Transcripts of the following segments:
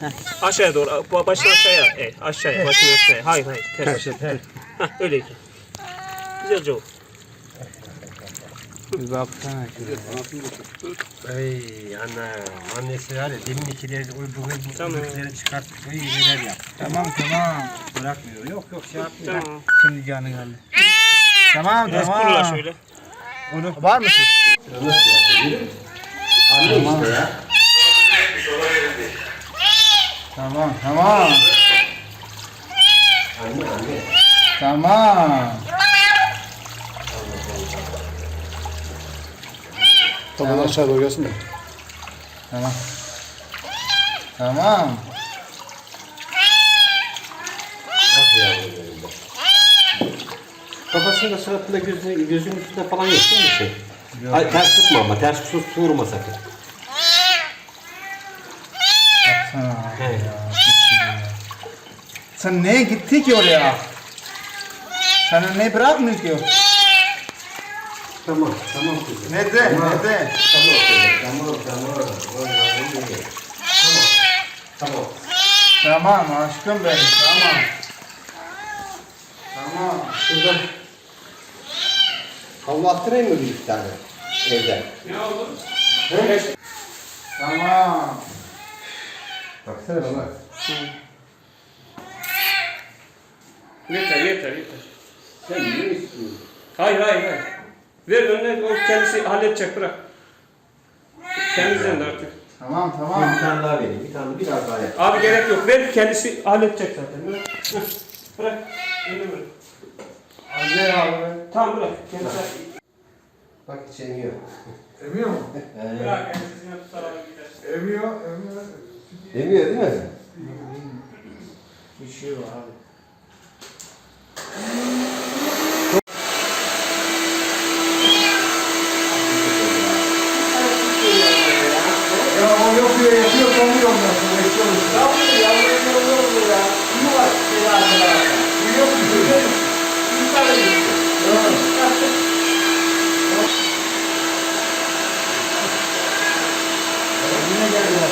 Aşağıya doğru. Başını aşağıya. Evet, aşağıya. Başını aşağıya. Hayır hayır. Ters. Hah, öyleydi. Güzelce ol. Bir baksana şuraya. Ey anam, annesi var ya demin ikileri bu Tamam. ikileri çıkarttık. Oy neler yap. Tamam. Bırakmıyor. Yok şey yapmıyor. Tamam. Şimdi canı geldi. Tamam. Biraz kurula şöyle. Onu var mısın? Nasıl yapıyor? Anne işte ya. Tamam. Anne. Tamam. Tamam aşağı doğru gelsin de. Tamam. Ah yavrum benim de. Kafasında suratında gözünün üstünde falan yok değil mi şey? Yok. Ay, ters tutma ama ters vurma sakın. Baksana. He. Sen neye gitti ki oraya? Sana ne bırakmıyor ki? Tamam kızım. Nerede? Tamam. Nerede? Tamam. Tamam aşkım benim. Tamam. Şurada havlu attırayım mı bir tane evden? Ne oldu? Tamam. Baksana bana. Yeter. Sen ne istiyorsun? Hayır. Ver önüne, o kendisi halledecek, bırak. Temizlen de artık. Tamam. Bir tane daha vereyim. Bir tane biraz daha yap. Abi gerek yok, ver, kendisi halledecek zaten. Bırak. Önüne bırak. Hadi abi. Tamam bırak. Kendisi Bak hiç emiyor. Emiyor mu? bırak, kendisine tutar abi gider. Emiyor. Emiyor değil mi? Bir şey var abi. Ya o yapıyor kalmıyor ondan sonra. Yok bir şey. Yine geldiler.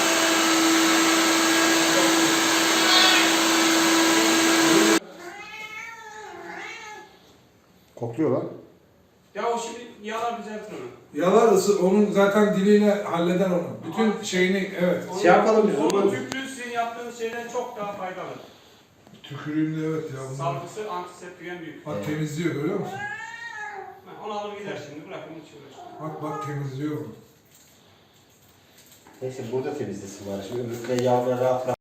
Kokluyor lan. Ya o şimdi yalar düzeltir onu. Yalar onun zaten diliyle halleder onu. Bütün şeyini evet. Şey yapalım biz Onun onu. tüplüğü sizin yaptığınız şeyden çok daha faydalı. Tükürüğünde evet ya. Bunlar. Salgısı, antiseptiken büyük. Bak temizliyor görüyor musun? Onu alır gider şimdi, bırak onu hiç uğraşma. Bak temizliyor onu. Neyse burada temizlesin bari. Şimdi öbürküne yavrular rahat